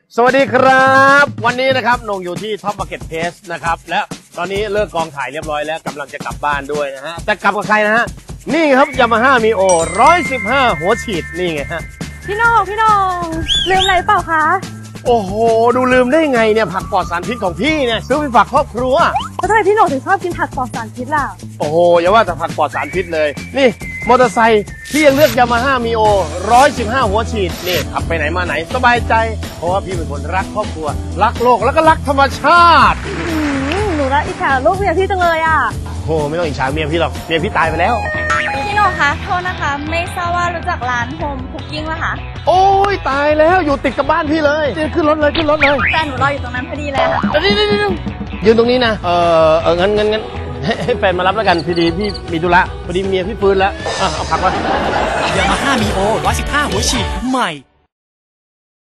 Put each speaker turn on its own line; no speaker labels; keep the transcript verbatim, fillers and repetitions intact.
สวัสดีครับวันนี้นะครับนงอยู่ที่ท็อปมาร์เก็ตเพลสนะครับและตอนนี้เลิกกองถ่ายเรียบร้อยแล้วกำลังจะกลับบ้านด้วยนะฮะแต่กลับกับใครนะฮะนี่ครับยามาฮ่ามีโอร้อยสิบห้าหัวฉีดนี่ไงฮะ
พี่น้องพี่น้องลืมอะไรเปล่าคะ
โอ้โหดูลืมได้ไงเนี่ยผักปลอดสารพิษของพี่เนี่ยซื้อไปฝากครอบครัว
แล้วทำไมพี่น้องถึงชอบกินผักปลอดสารพิษล่ะ
โอ้โหอย่าว่าแต่ผักปลอดสารพิษเลยนี่มอเตอร์ไซค์พี่ยังเลือกยามาฮ่ามีโอร้อยสิบห้าหัวฉีดนี่ขับไปไหนมาไหนสบายใจเพราะว่าพี่เป็นคนรักครอบครัวรักโลกแล้วก็รักธรรมชาติ
หนูรักอิจฉาลูกเมียพี่จังเลยอ่ะ
โอ้ไม่ต้องอิจฉาเมียพี่หรอกเมียพี่ตายไปแล้ว
พี่น้องคะโทษนะคะไม่ทราบว่ารู้จักร้านโฮมคุกกิ้งไหมคะ
โอ้ยตายแล้วอยู่ติดกับบ้านพี่เลยขึ้นรถเลยขึ้นรถเลย
แฟนหนูรออยู่ตรงนั้นพอดีเลยค่ะ
นี่นี่นี่ยืนตรงนี้นะเออเอองั้นงั้นงั้นให้แฟนมารับแล้วกันพอดีพี่มีธุระพอดีเมียพี่ฟื้นแล้วเอาพักไว้
ยามาฮ่ามีโอร้อยสิบห้าหัวฉีดใหม่